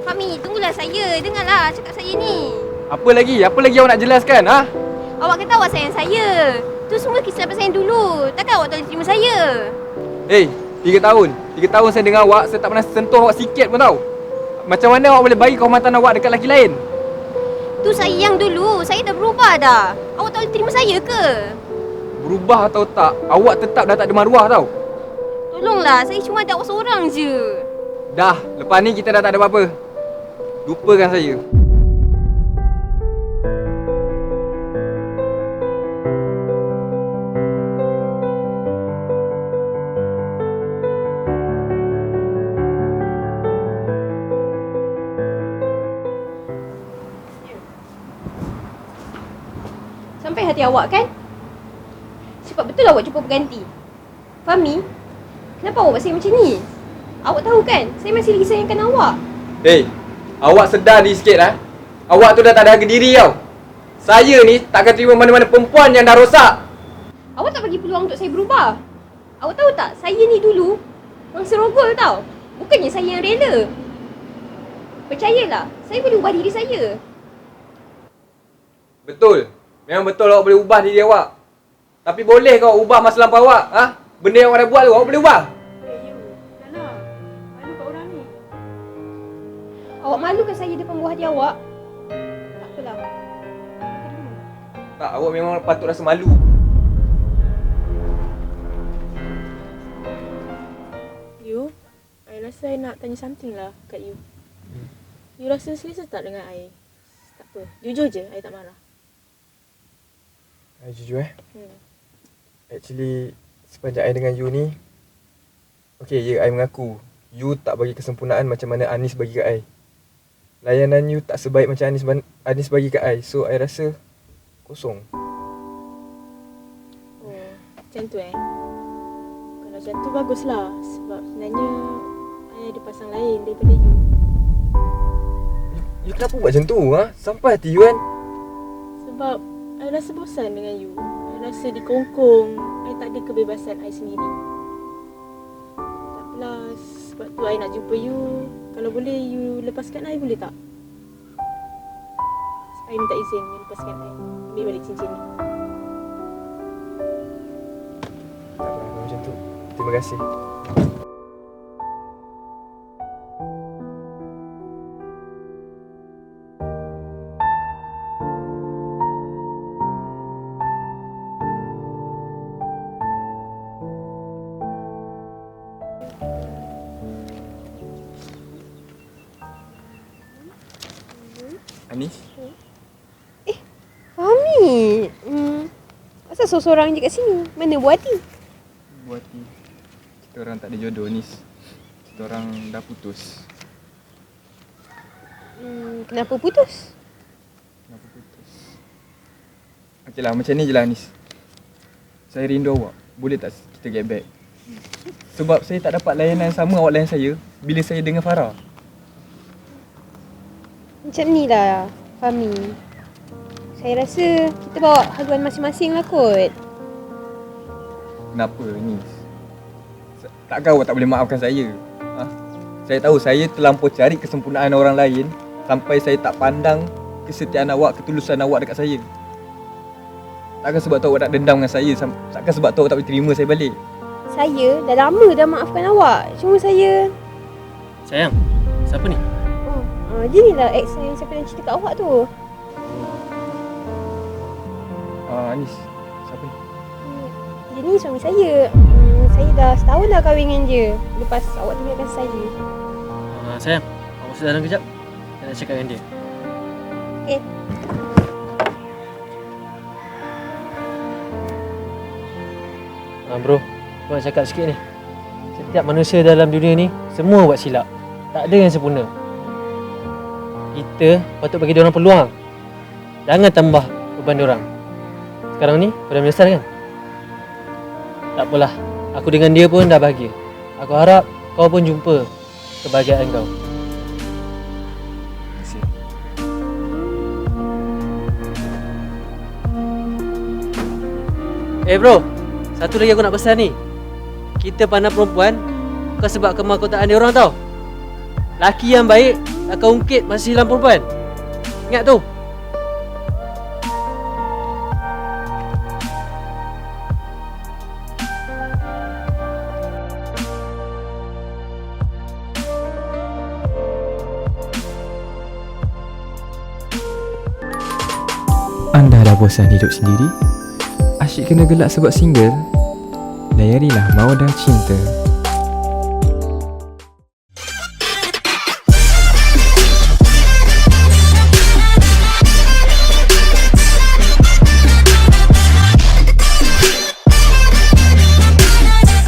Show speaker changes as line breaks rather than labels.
Fahmi, tunggulah saya. Dengarlah cakap saya ni.
Apa lagi? Apa lagi awak nak jelaskan, ha?
Awak kata awak sayang saya. Tu semua kesilapan saya dulu. Takkan awak tak boleh terima saya?
Hei, 3 tahun. 3 tahun saya dengar awak, saya tak pernah sentuh awak sikit pun tau. Macam mana awak boleh bagi kehormatan awak dekat lelaki lain?
Tu saya yang dulu. Saya dah berubah dah. Awak tak boleh terima saya ke?
Berubah atau tak, awak tetap dah tak ada maruah tau.
Tolonglah, saya cuma ada awak seorang je.
Dah, lepas ni kita dah tak ada apa-apa. Lupakan saya.
Sampai hati awak kan? Cepat betul awak jumpa pengganti. Fahmi, kenapa awak buat saya macam ni? Awak tahu kan, saya masih lagi sayangkan awak.
Hei, awak sedar diri sikit lah. Awak tu dah tak ada harga diri tau. Saya ni takkan terima mana-mana perempuan yang dah rosak.
Awak tak bagi peluang untuk saya berubah. Awak tahu tak, saya ni dulu mangsa rogol tau. Bukannya saya yang rela. Percayalah, saya boleh ubah diri saya.
Betul. Memang betul awak boleh ubah diri awak. Tapi boleh kau ubah masa lampau awak? Ha? Benda yang awak dah buat tu, awak boleh ubah?
Janganlah. Malu kat orang ni. Awak malukan saya depan buah hati awak? Tak apalah. Terima.
Tak, awak memang patut rasa malu.
You, I rasa I nak tanya something lah kat you. You rasa selesa tak dengan I? Tak apa, jujur je, I tak marah.
Jujur Actually, sepanjang I dengan you ni, okay, ya, I mengaku you tak bagi kesempurnaan macam mana Anis bagi kat I. Layanan you tak sebaik macam Anis bagi kat I. So, I rasa kosong.
Oh, macam tu Kalau macam tu baguslah. Sebab sebenarnya I ada pasang lain daripada you.
You kenapa buat macam tu, ha? Sampai hati you kan?
Sebab I rasa bosan dengan you. I rasa dikongkong. I tak ada kebebasan I sendiri. Tak apalah, sebab tu I nak jumpa you. Kalau boleh you lepaskan I, boleh tak? I minta izin you lepaskan I. Ambil balik cincin ni.
Tak apa, macam tu. Terima kasih.
Anis?
Fahmi. Asal seorang je kat sini? Mana buah hati?
Buat hati. Kita orang tak ada jodoh, Anis. Kita orang dah putus.
Kenapa putus?
Kenapa putus? Okeylah, macam ni je lah, Anis. Saya rindu awak. Boleh tak kita get back? Sebab saya tak dapat layanan sama awak layan saya bila saya dengan Farah.
Macam ni lah, Fahmi. Saya rasa kita bawa haluan masing-masing lah kot.
Kenapa, Anis? Takkan awak tak boleh maafkan saya? Ha? Saya tahu saya terlampau cari kesempurnaan orang lain sampai saya tak pandang kesetiaan awak, ketulusan awak dekat saya. Takkan sebab tu awak nak dendam dengan saya? Takkan sebab tu awak tak boleh terima saya balik?
Saya dah lama dah maafkan awak. Cuma saya...
Sayang, siapa ni?
Dia ni lah ex yang saya pernah cerita kat awak tu.
Anis, siapa ni?
Dia ni suami saya. Saya dah setahun dah kahwin dengan dia lepas awak tinggalkan saya.
Sayang, awak masuk dalam kejap. Saya nak cakap dengan dia.
Okay.
Bro, aku nak cakap sikit ni. Setiap manusia dalam dunia ni semua buat silap. Tak ada yang sempurna. Kita patut bagi diorang peluang. Jangan tambah beban diorang. Sekarang ni kau dah menyesal kan? Tak apalah. Aku dengan dia pun dah bahagia. Aku harap kau pun jumpa kebahagiaan kau.
Terima kasih.
Bro, satu lagi aku nak pesan ni. Kita pandang perempuan bukan sebab kemahkotaan dia orang tau. Laki yang baik akan ungkit masa silam perempuan. Ingat tu.
Anda dah bosan hidup sendiri? Asyik kena gelak sebab single? Layarilah Mawadah Cinta.